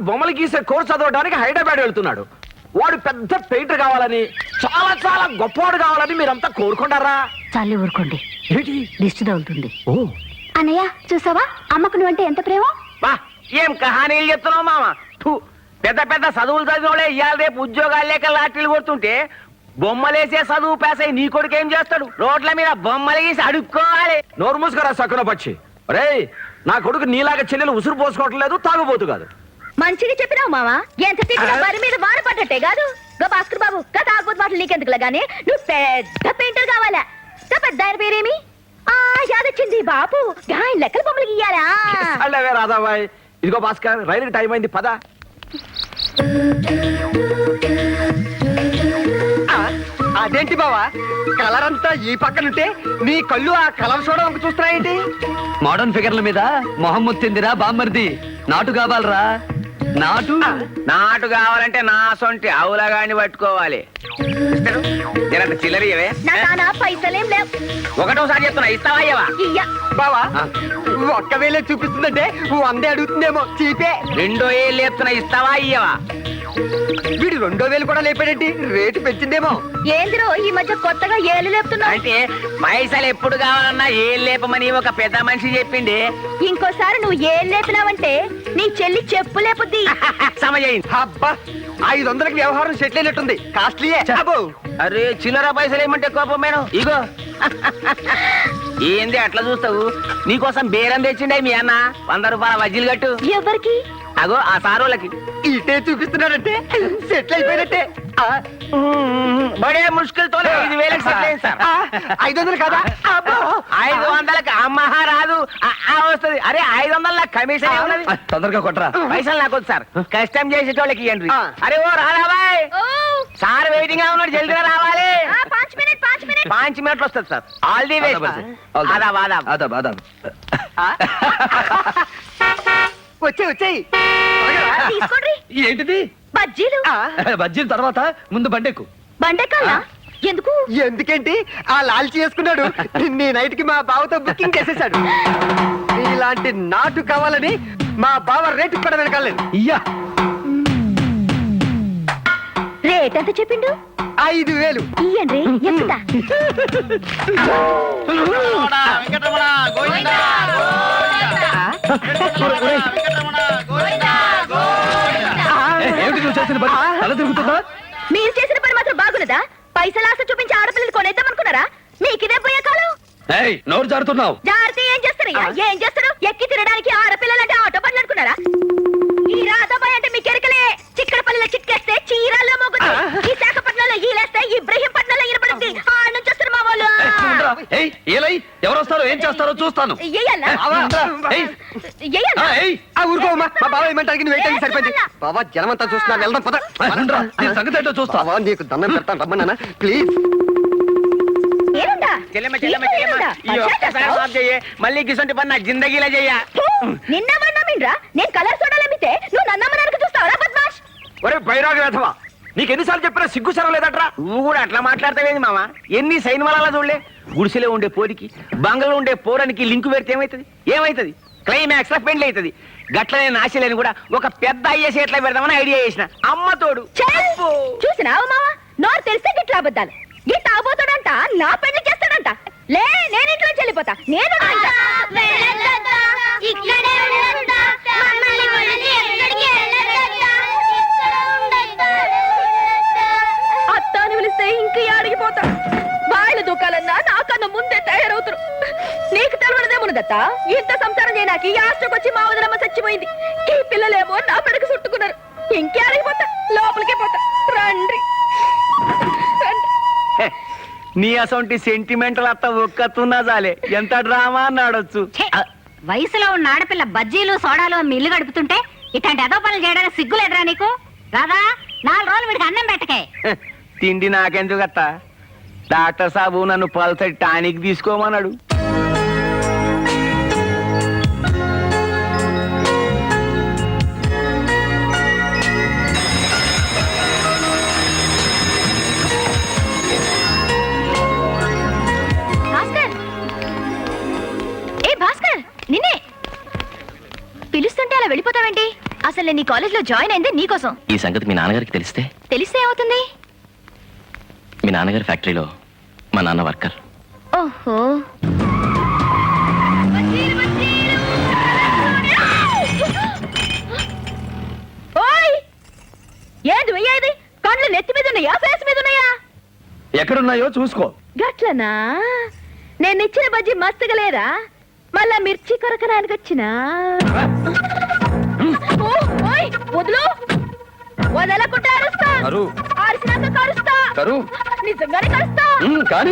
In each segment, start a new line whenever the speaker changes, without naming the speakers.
బొమ్మలు గీసే కోర్సు చదవడానికి హైదరాబాద్ వెళ్తున్నాడు. వాడు పెద్ద పెయింటర్ కావాలని, చాలా చాలా గొప్పవాడు కావాలని మీరంతా కోరుకుంటారా?
చాలే ఊరుకోండి,
ఏంటి
దిష్టి తగులుతుంది.
ఓ
అన్నయ్య చూసావా, అమ్మకు నువ్వంటే ఎంత ప్రేమ.
బా ఏం కహానీలు చెప్తున్నావు మామ. పెద్ద పెద్ద చదువులు చదివినోడే ఇవాళ రేపు ఉద్యోగాలు లేక లాటరీలు కొడుతుంటే బొమ్మలేసే చదువు పేసై నీ కొడుకు ఏం చేస్తాడు? రోడ్ల మీద బొమ్మలు గీసి అడుక్కోవాలి.
నోరు మూసుకురా సక్కున పచ్చి. రే, నా కొడుకు నీలాగా చెల్లెలు ఉసురు పోసుకోవటం లేదు, తాగుబోతు కాదు.
మంచిగా చెప్పినావు మావా, ఎంత తిట్టినా బరి మీద వాన పడ్డట్టే కాదు. గా భాస్కర్ బాబు గా తాగుబోతు మాటలు నీకెందుకులా గానీ నువ్వు పెద్ద పెయింటర్ కావాలా. గా పెద్ద ఆయన పేరేమి? యాదొచ్చింది బాపు, ఆయన లెక్కల బొమ్మలు గీయాలా.
అల్లవే రాధాబాయ్. ఇదిగో భాస్కర్, రైలుకి టైం అయింది, పద.
అదేంటి బావా, కలర్ అంతా ఈ పక్కనుంటే నీ కళ్ళు ఆ కలర్ చూడడానికి చూస్తున్నాయేంటి?
మోడర్న్ ఫిగర్ల మీద మొహం ముత్తిందిరా బామ్మర్ది. నాటు కావాలరా, నాటు.
నాటు కావాలంటే నా సొంటి అవులగాని పట్టుకోవాలి. జరంత చిల్లరియవే.
నా పైసలేం లేవు.
ఒకటోసారి చెప్తున్నా, ఇస్తావా ఇయ్యవా?
ఇయ్య.
బావా ఒక్క వేలే చూపిస్తుందంటే 100 అడుగుతుందేమో, చీపే. 2 వేలు లేపుతున్నా, ఇస్తావా ఇయ్యవా? వీడు 2 వేలు కూడా లేపాడేంటి? రేటు పెంచిందేమో.
ఏందిరో ఈ మధ్య కొత్తగా ఏళ్ళు లేపుతున్నావు?
అంటే పైసలు ఎప్పుడు కావాలన్నా ఏం లేపమని ఒక పెద్ద మనిషి చెప్పింది.
ఇంకోసారి నువ్వు ఏళ్ళు లేపినావంటే నీ చెల్లి చెప్పు లేపుద్ది.
సమయం. అబ్బా 500కి వ్యవహారం సెటిల్ అయినట్టుంది. కాస్ట్లీయే. అరే చిల్లర పైసలు ఏమంటే కోపం మేడం. ఇగో ఏంది అట్లా చూస్తావు? నీకోసం బేరం తెచ్చిండే మీ అన్న. 100 రూపాయల వజ్జీలు కట్టు.
ఎవరికి?
అగో ఆ సారోళ్ళకి. ఇటే చూపిస్తున్నాడంటే సెటిల్ అయిపోయినట్టే. బడే ముష్కిల్ తో 5,000కి సెటిల్ అయింది సార్. 500 కదా? 500కి అమ్మహా రాదు, వస్తుంది. అరే 500 కమిషన్ ఏమున్నది?
తొందరగా కొట్టరా.
పైసలు నాకు సార్, కష్టం చేసేటోళ్ళకి ఇవ్వండి. అరే ఓ రాబాయ్, సార్ వెయిటింగ్ గా ఉన్నాడు, జల్దిగా రావాలి. 5 మినిట్లు వస్తుంది సార్. All the way. వచ్చాయి.
ఏంటిది?
బజ్జీలు.
బజ్జీల తర్వాత ముందు బండెక్కు.
బండెక్కాలా? ఎందుకు?
ఎందుకేంటి, ఆ లాల్చి చేసుకున్నాడు. నీ నైట్ కి మా బావతో బుకింగ్ చేసేసాడు. ఇలాంటి నాటు కావాలని మా బావ రేటు కూడా వెనకాలేదు.
ఇయ్యా
రేట్ ఎంత చెప్పిండు?
5,000.
ఇయ్యండి, ఎంత?
ఏమిటి నువ్వు చేసిన పని? తల తిరుగుతుందా?
మీరు చేసిన పని మాత్రం బాగున్నదా? పైసలు ఆశ చూపించి ఆడపిల్లలు కొనేద్దామనుకున్నారా? మీకిదే పోయే కాలం.
నోరు జారుతున్నావు.
జాగ్రత్త. ఏం చేస్తారు? ఏం చేస్తారు? ఎక్కి తినడానికి ఆడపిల్లలంటే ఆటో పనులు అనుకున్నారా? ఈ రాధాబాయ్ అంటే మీ కెరకలే. చిక్కడపల్లిలో చిక్కేస్తే చీరాల్లో మోగుద్ది, విశాఖపట్నంలో ఈలేస్తే ఇబ్రహీంపట్నంలో ఇరపడుద్ది. ఆ నుంచి వస్తారు మా వాళ్ళు.
ఎవరు వస్తారో ఏం చేస్తారో చూస్తాను.
ఊరుకోమా, మా బావ ఏమంటారు? నువ్వు ఏంటని సరిపోయింది. బావా జనమంతా చూస్తున్నా, వెళ్దాం పద.
సంగతి ఏంటో చూస్తా.
నీకు దండం పెడతాను, రమ్మన్నా ప్లీజ్. మళ్ళీ గిసంటి పని నా జిందగీలో చెయ్య.
నిన్న మన్నామిండ్రా, నేను కలర్ సోడాలమ్మితే నువ్వు నన్నమ్మడానికి చూస్తావరా బద్మాష్?
ఒరే బైరాగి వేధవా, నీకు ఎన్నిసార్లు చెప్పినా సిగ్గు సరం లేదట్రా?
నువ్వు కూడా అట్లా మాట్లాడతావేంది మామ? ఎన్ని సైన్మాల చూడలే. గుడిసెలో ఉండే పోరికి బంగళలో ఉండే పోరానికి లింకు పెడితే ఏమైతుంది? క్లైమాక్స్ లో పెండ్లి అవుతుంది. గట్లనే నాశలేని కూడా ఒక పెద్ద అయ్యేసి ఎట్లా పెడదామని ఐడియా చేసిన. అమ్మతోడు
చూసినావు మామ, నోరు తెలిస్తే గిట్లా అబద్ధాలు. గిట్ట అవబోతాడంట, నా పెళ్లి చేస్తాడంట. లే, నేను ఇంట్లో చెల్లిపోతా. నేను అత్తాని పిలిస్తే ఇంక అడిగిపోతా. బాయిలు దూకాలన్నా నాకన్నా ముందే తయారవుతారు. నీకు తెలవడదేమున్నదత్త, ఇంత సంసారం చేయడానికి ఈ ఆస్ట్రకొచ్చి మా వదిలమ్మ చచ్చిపోయింది. ఈ పిల్లలేమో నా పెడకు చుట్టుకున్నారు. ఇంకే అడిగిపోతా, లోపలికే పోతా. రండి.
నీ అసొంటి సెంటిమెంటల్ అత్త ఒక్కతున్నా చాలే, ఎంత డ్రామా అన్నాడొచ్చు.
వయసులో ఉన్న ఆడపిల్ల బజ్జీలు సోడాలు మిల్లు గడుపుతుంటే ఇట్లాంటి ఏదో పనులు చేయడానికి సిగ్గులేదురా నీకు? రాదా 4 రోజులు వీడికి అన్నం పెట్టకే.
తిండి నాకెందుకు అత్త? డాక్టర్ సాబు నన్ను పల్సటి టానిక్ తీసుకోమన్నాడు.
నిన్నే పిలుస్తుంటే అలా వెళ్ళిపోతావేంటి? అసలు నేను నీ కాలేజ్ లో జాయిన్ అయింది నీకోసం.
ఈ సంగతి మీ నాన్నగారికి తెలిస్తే?
తెలిస్తే ఏమవుతుంది?
మీ నాన్నగారి ఫ్యాక్టరీలో మా నాన్న వర్కర్.
ఓహో, ఓయ్ ఏది వెయ్యేది? కళ్ళు నెత్తి మీద ఉన్నాయా, ఫేస్ మీద ఉన్నాయా?
ఎక్కడున్నాయో చూసుకో.
గట్లనా? నేను ఇచ్చిన బజ్జి మస్తుగా లేదా? మళ్ళా మిర్చి కొరకడానికి వచ్చినా? ఓ, ఓయ్, వదులు, వదలకుండా అరుస్తా.
కరు.
అరిసినాక కరుస్తా.
కరు.
నిజంగానే కరుస్తా.
కానీ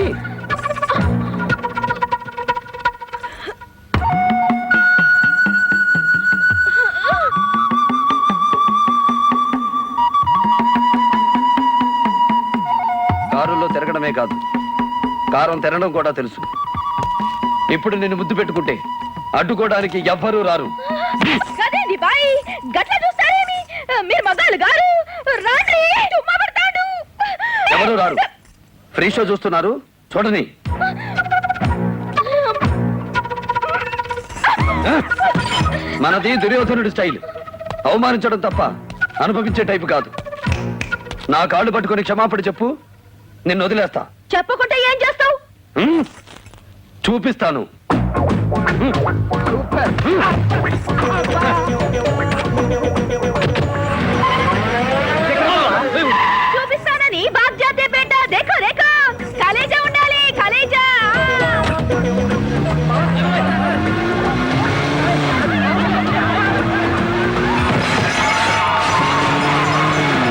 కారులో తిరగడమే కాదు, కారం తినడం కూడా తెలుసు. ఇప్పుడు నిన్ను ముద్దు పెట్టుకుంటే అడ్డుకోవడానికి ఎవ్వరూ రారు.
కదేంది బాయ్, గట్ల చూస్తారేమి? మీరు మగాళ్ళు గారు, రాండి, తుమ్మ పడతాడు.
ఎవరు రారు. ఫ్రీ షో చూస్తున్నారు, చూడని. మనది దుర్యోధనుడి స్టైల్. అవమానించడం తప్ప అనుభవించే టైపు కాదు. నా కాళ్ళు పట్టుకొని క్షమాపణ చెప్పు, నిన్ను వదిలేస్తా.
చెప్పకుంటే ఏం చేస్తావు?
చూపిస్తాను. సూపర్.